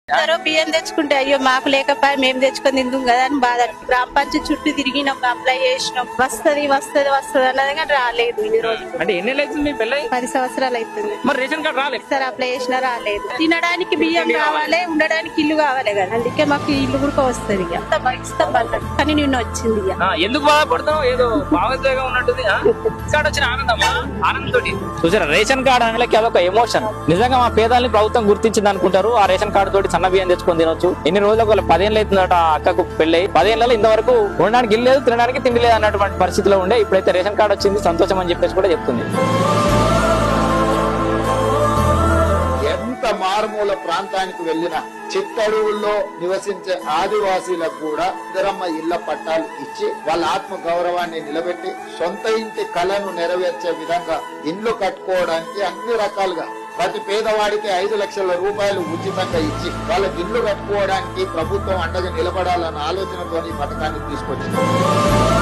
బియ్యం తెచ్చుకుంటే అయ్యో మాకు లేకపోయి మేము తెచ్చుకొని తిందాం కదా అని బాధ. గ్రామ పంచాయతీ చుట్టూ తిరిగినాం, అప్లై చేసినాం, వస్తది వస్తది వస్తది అన్నది కానీ రాలేదు. ఈ రోజు అంటే ఎన్ని అవుతుంది మీ పెళ్ళై? 10 సంవత్సరాలు అవుతుంది. మరి రేషన్ కార్డు రాలేదు సార్, అప్లై చేసినా రాలేదు. తినడానికి బియ్యం కావాలి, ఉండడానికి ఇల్లు కావాలి కదా, అందుకే మాకు ఇల్లు కూడా వస్తుంది. ఇస్తాం అన్నట్టు కానీ నిన్న వచ్చింది. ఎందుకు బాధపడుతున్నావు? ఏదో భావోద్వేగం ఉన్నట్టుంది. కార్డు వచ్చిన ఆనందమా? ఆనందంతో చూసారా, రేషన్ కార్డు అనేది అదొక ఎమోషన్. నిజంగా మా పేదల్ని ప్రభుత్వం గుర్తించింది అనుకుంటారు. ఆ రేషన్ కార్డు తోటి సన్న బియ్యం తెచ్చుకొని తినొచ్చు. ఎన్ని రోజులకు 10 ఏళ్ళు అవుతుందట ఆ అక్కకు పెళ్ళై. 10 ఏళ్ళలో ఇంతవరకు ఉండడానికి ఇల్లు లేదు, తినడానికి తిండి లేదు అన్నటువంటి పరిస్థితిలో ఉండే. ఇప్పుడైతే రేషన్ కార్డు వచ్చింది, సంతోషం అని చెప్పేసి కూడా చెప్తుంది. ఎంత మారుమూల ప్రాంతానికి వెళ్ళినా చిత్తడువుల్లో నివసించే ఆదివాసీలకు కూడా ఇందిరమ్మ ఇళ్ల పట్టాలు ఇచ్చి వాళ్ళ ఆత్మ గౌరవాన్ని నిలబెట్టి సొంత ఇంటి కళను నెరవేర్చే విధంగా ఇండ్లు కట్టుకోవడానికి అన్ని రకాలుగా ప్రతి పేదవాడికి 5 లక్షల రూపాయలు ఉచితంగా ఇచ్చి వాళ్ళకి ఇల్లు కట్టుకోవడానికి ప్రభుత్వం అండగా నిలబడాలన్న ఆలోచనతో ఈ పథకాన్ని తీసుకొచ్చింది.